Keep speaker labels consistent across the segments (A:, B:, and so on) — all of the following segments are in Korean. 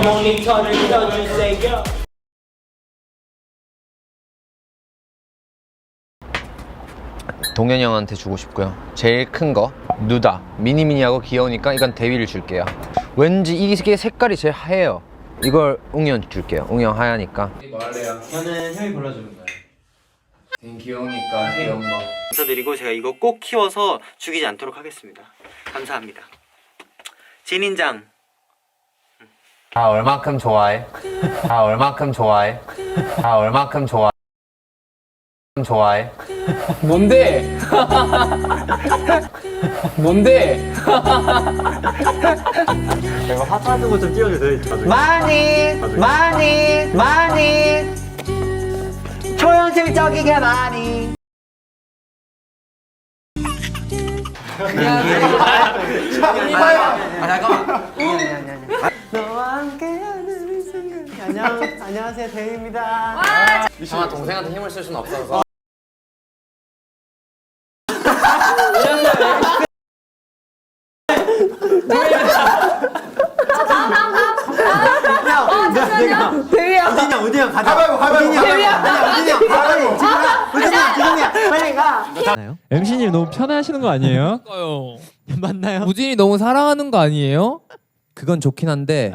A: 모니터를 켜주세요.
B: 동현이 형한테 주고 싶고요. 제일 큰 거 누다 미니미니하고 귀여우니까 이건 대위를 줄게요. 왠지 이게 색깔이 제일 하얘요. 이걸 웅이 형 줄게요. 웅이 형 하얘니까.
C: 뭐 할래요?
A: 저는 형이 골라주는 거예요.
C: 귀여우니까 귀여운 거.
A: 감사드리고 제가 이거 꼭 키워서 죽이지 않도록 하겠습니다. 감사합니다. 진인장.
B: 아 얼만큼 좋아해? 아 얼만큼 좋아해? 아 얼만큼 좋아해?
C: 뭔데? 뭔데?
A: 제가 화사한 거 좀 띄워주세요.
D: 많이 초현실적이게 많이. 너와 함께하는 순간. 안녕하세요 대희입니다.
B: 형아 동생한테 힘을 쓸 수는 없어서.
D: 우진이 형 가자. 우진이 형 빨리 가.
E: MC님 너무 편해하시는 거 아니에요? 맞나요? 우진이 너무 사랑하는 거 아니에요?
B: 그건 좋긴 한데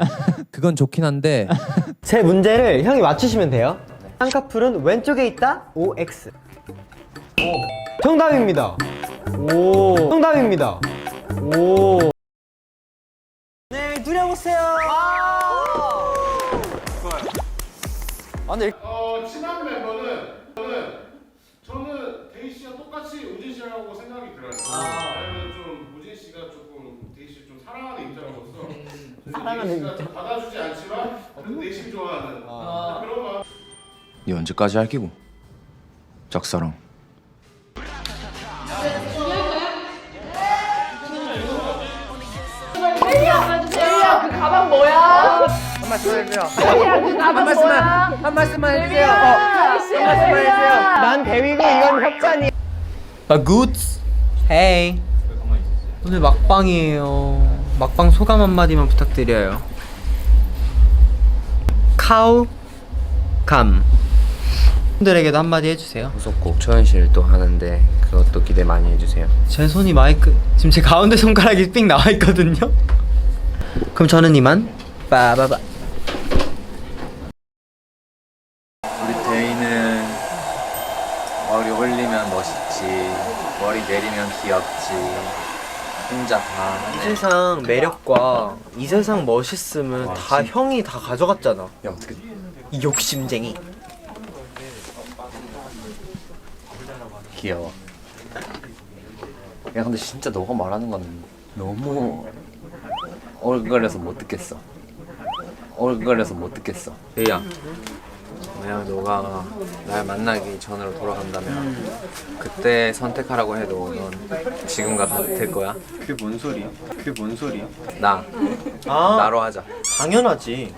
D: 제 문제를 형이 맞추시면 돼요. 쌍꺼풀은 왼쪽에 있다. OX. 정답입니다. 정답입니다. 네, 누려보세요.
F: 친한 멤버는 저는 데이 씨와 똑같이 우진 씨라고 생각이 들어요. 왜냐면 좀 우진 씨가 조금 데이 씨 좀 사랑하는 입장으로서 데이 씨가 좀 받아주지 않지만 그래도 내심 좋아하는 그런 마음.
C: 이 언제까지 할 끼고? 짝사랑.
G: 그 가방 뭐야? 한 말씀 해주세요. 그 가방 뭐야?
D: 한 말씀만 해주세요. 한 말씀만 해주세요. 난 대위고 이건 협찬이.
A: 헤이. 오늘 막방이에요. 막방 소감 한마디만 부탁드려요. 카우 감. 분들에게도 한마디 해주세요.
B: 후속곡 초현실 또 하는데 그것도 기대 많이 해주세요.
A: 제 손이 마이크 지금 제 가운데 손가락이 삑 나와 있거든요. 그럼 저는 이만 빠바바.
C: 우리 데이는 머리 올리면 멋있지, 머리 내리면 귀엽지. 혼자 다.
A: 이 세상 매력과 이 세상 멋있음은 다 형이 다 가져갔잖아.
C: 야 어떻게?
A: 이 욕심쟁이.
C: 귀여워. 야 근데 진짜 너가 말하는 건 너무 얼굴에서 못 듣겠어.
B: 데이야, 만약 너가 날 만나기 전으로 돌아간다면 그때 선택하라고 해도 넌 지금과 같을 거야?
A: 그게 뭔 소리야?
B: 나
A: 아
B: 나로 하자.
A: 당연하지.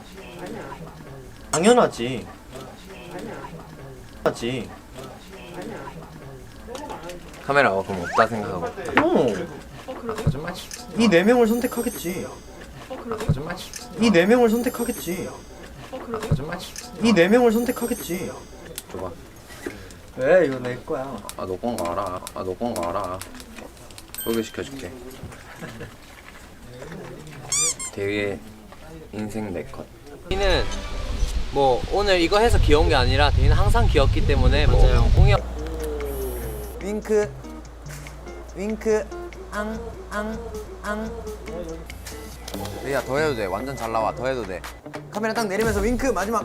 B: 카메라가 그럼 없다 생각하고 있다. 거짓말 치지.
A: 이 네 명을 선택하겠지.
B: 거짓말 치지.
A: 이 네 명을 선택하겠지.
B: 거짓말 치지.
A: 이 네 명을 선택하겠지.
B: 줘봐.
A: 왜 이거 내 거야?
B: 너 건 거 알아. 소개시켜줄게. 되게 인생 내 컷. 데이는 뭐 오늘 이거 해서 귀여운 게 아니라 데이는 항상 귀엽기 때문에 뭐 공연
D: 윙크
B: 데이야 더 해도 돼. 완전 잘 나와. 더 해도 돼.
D: 카메라 딱 내리면서 윙크 마지막.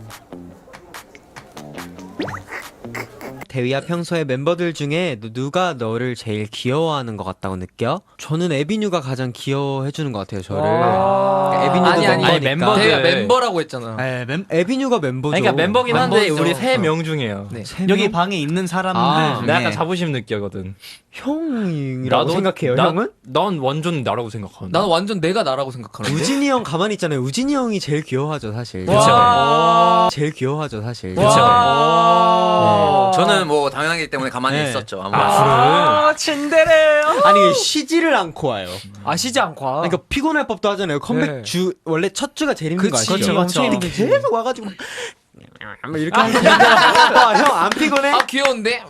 A: 대위야, 평소에 멤버들 중에 누가 너를 제일 귀여워하는 것 같다고 느껴? 저는 에비뉴가 가장 귀여워해주는 것 같아요, 저를. 에비뉴도 멤버니까.
E: 멤버들.
H: 대가 멤버라고 했잖아.
A: 네, 에비뉴가 멤버죠.
H: 그러니까 멤버긴 한데
E: 멤버죠.
H: 우리 3명 중에요.
A: 네.
E: 여기 방에 있는 사람들
H: 아,
E: 중에
H: 나 약간 자부심 느껴거든.
A: 형이라고 생각해요, 형은?
H: 난 완전 나라고 생각하는데.
E: 나는 완전 내가 나라고 생각하는데.
A: 우진이 형 가만히 있잖아요. 우진이 형이 제일 귀여워하죠, 사실. 제일 귀여워하죠, 사실.
H: 그쵸.
B: 저는 뭐 당연하기 때문에 가만히 있었죠. 아무래도.
H: 친데레.
A: 아니 쉬지를 않고 와요.
E: 아시지 않고.
A: 그러니까 피곤할 법도 하잖아요. 컴백
E: 네.
A: 주 원래 첫 주가 제일 힘든 거
E: 그치,
A: 아시죠?
E: 그쵸.
A: 근데 계속 와가지고 막 이렇게 하는 거. 형 안 피곤해?
E: 아 귀여운데?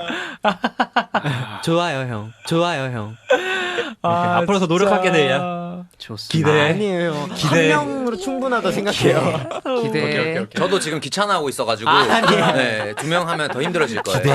A: 좋아요 형. 좋아요 형.
H: 앞으로 더 노력하게 돼요.
B: 좋습니다.
A: 아니에요. 한 명으로 충분하다 생각해요.
E: 기대.
C: 저도 지금 귀찮아하고 있어가지고 네, 2명 하면 더 힘들어질 거예요.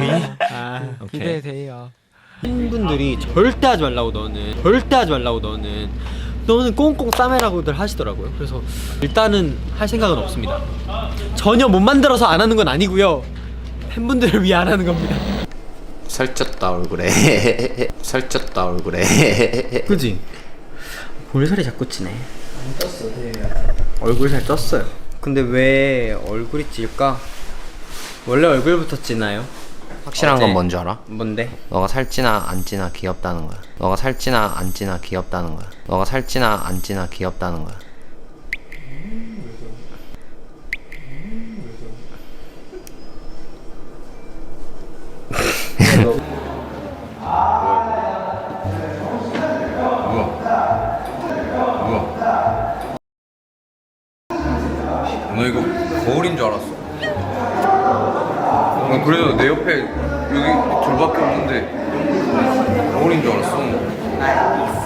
E: 기대돼요.
A: 팬분들이 절대 하지 말라고 너는 꽁꽁 싸매라고들 하시더라고요. 그래서 일단은 할 생각은 없습니다. 전혀 못 만들어서 안 하는 건 아니고요. 팬분들을 위해 안 하는 겁니다.
C: 살쪘다 얼굴에. 살쪘다 얼굴에.
A: 그지? 볼살이 자꾸 찌네. 얼굴살 쪘어요. 근데 왜 얼굴이 찔까? 원래 얼굴부터 찌나요?
B: 확실한 건 뭔지 알아?
A: 뭔데?
B: 너가 살찌나 안 찌나 귀엽다는 거야. 너가 살찌나 안 찌나 귀엽다는 거야. 너가 살찌나 안 찌나 귀엽다는 거야.
C: 너 이거 거울인 줄 알았어. 그래서 내 옆에 여기 둘밖에 없는데 거울인 줄 알았어.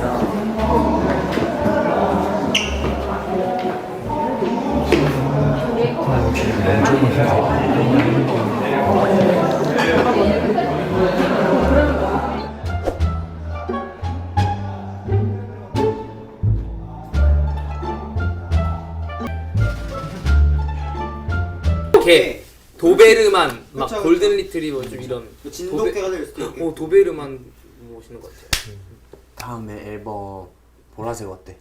E: 이렇게 도베르만 막 골든 리트리버 좀 이런
D: 진돗개가 될 수도 있고.
E: 도베르만 모시는 것 같아요.
C: 다음에 앨범 보라색 어때?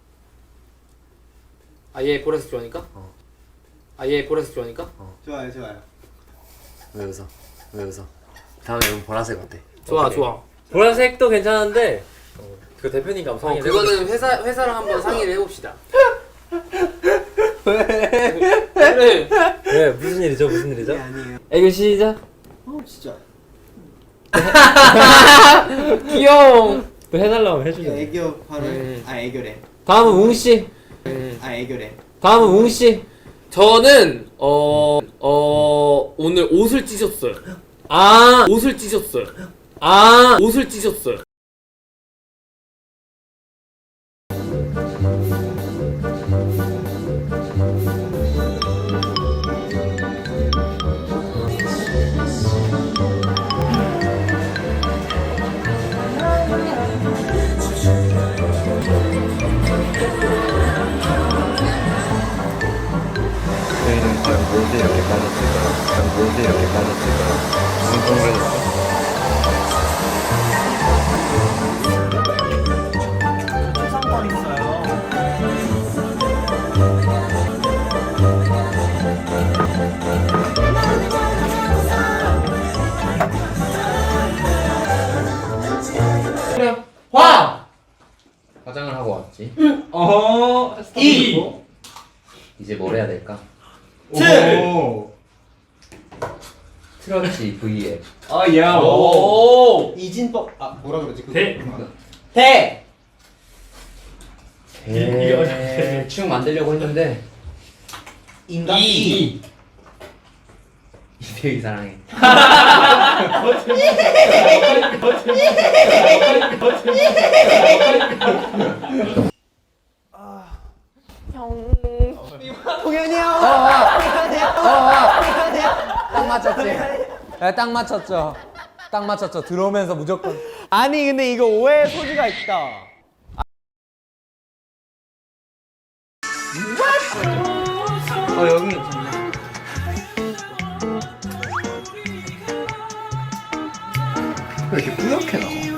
E: 아얘 보라색 좋아하니까? 아얘 보라색 좋아하니까?
D: 좋아요.
C: 왜 웃어? 왜 웃어? 다음에 앨범 보라색 어때?
E: 좋아 좋아.
H: 보라색도 괜찮은데 그 대표님 감상이
E: 그거는 회사랑 한번 상의를 해봅시다. 그래.
H: 네 무슨 일이죠?
D: 아니에요.
E: 애교 시작.
D: 진짜.
E: 귀여워.
H: 또 해달라고 해주죠.
D: 애교 바로. 애교래.
E: 다음은 웅 씨.
D: 애교래.
E: 다음은 웅 씨. 저는 오늘 옷을 찢었어요. 옷을 찢었어요. 옷을 찢었어요.
B: 저희는 과연 무엇에 이렇게 빠졌을까요? 무슨 동물이었어? 화장을 하고 왔지. 이제 뭘 해야 될까? 트러치 V앱.
D: 이진법. 뭐라 그러지?
B: 대충 만들려고 했는데
D: 인간
B: 이대희 사랑해.
D: 동현이 형.
B: 딱 맞췄지? 네, 딱 맞췄죠. 딱 맞췄죠. 들어오면서 무조건.
D: 아니 근데 이거 오해의 소지가 있다.
A: 여기 괜찮네.
B: 왜 이렇게 뿌옇게 나와?